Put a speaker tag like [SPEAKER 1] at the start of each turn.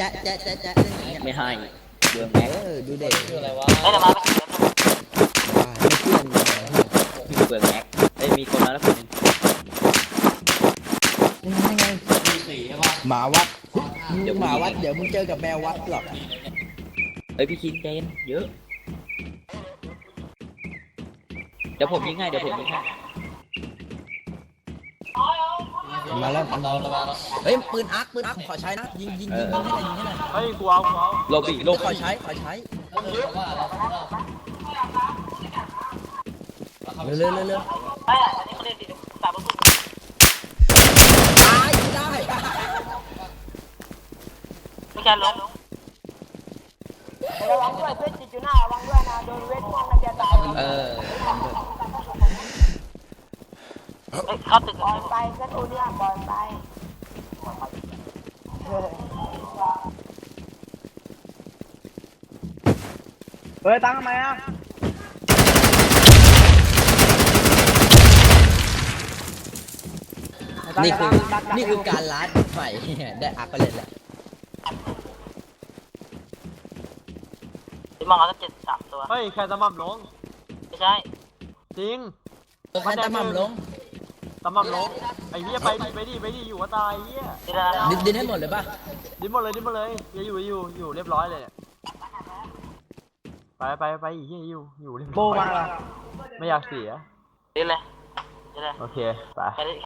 [SPEAKER 1] จ๊ะ
[SPEAKER 2] ไม่ให้เรื่องแม็ก
[SPEAKER 1] ดูเด็ก
[SPEAKER 3] คืออะไรวะ
[SPEAKER 4] เฮ้ยเดี๋ยวมา
[SPEAKER 1] ไม่เพื่อน
[SPEAKER 2] พี่เปลืองแม็กมีคนมาแล้วคนหนึง
[SPEAKER 1] ยังไง
[SPEAKER 3] มีสีใช่ป่ะ
[SPEAKER 1] หมาวัดเดี๋ยวหมาวัดเดี๋ยวมึงเจอกับแมววัดหรอก
[SPEAKER 2] พี่คิงใจเย็นเยอะเดี๋ยวผมยิงให้
[SPEAKER 1] มาแล้ว
[SPEAKER 3] เรามาแล้ว
[SPEAKER 1] เฮ้ยปืนอาร์คขอใช้นะยิงให้หน่อย
[SPEAKER 5] เฮ้ยกูเอา
[SPEAKER 2] โลบี้โล
[SPEAKER 1] ขอ
[SPEAKER 2] บี้
[SPEAKER 1] ใช้เร็ว
[SPEAKER 4] เฮ้ยอันนี้เขาเรียนดีสามประตู
[SPEAKER 1] ตายได้
[SPEAKER 4] ไม่แค่ล้ม
[SPEAKER 6] ระวังด้วยเพื่อนติดอยู่หน้าระวังด้วยนะโดนเวทมนต์นะจะตาย
[SPEAKER 4] เข้าตึก
[SPEAKER 6] ปล่อยไปก็ตัวเนี้ยปล่อยไปเฮ้ยตั้งทำไมอ่ะ
[SPEAKER 1] นี่คือการลัดใหม่ได้อาร์คไปเลยแหละ
[SPEAKER 4] ที่มองเขาจะ73ตัว
[SPEAKER 5] เฮ้ยแค่ตะหม่ำลง
[SPEAKER 4] ไม่ใช่
[SPEAKER 5] จริง
[SPEAKER 1] ใครตะหม่ำลง
[SPEAKER 5] ตะหม่ำลงไอ้เหี้ยไปดิอยู่ว่าตายเหี้ย
[SPEAKER 4] นี่แล้วนะ
[SPEAKER 1] ดินให้หมดเลยป่ะ
[SPEAKER 5] ดิ้นหมดเลยอยู่เรียบร้อยเลยเนี่ยไปอีกเหี้ยอยู่เรียบร้อย
[SPEAKER 6] โบมา
[SPEAKER 5] ไม่อยากเสีย
[SPEAKER 4] นี่เลยนี่เลย
[SPEAKER 5] โอเคไป
[SPEAKER 4] แค่นี้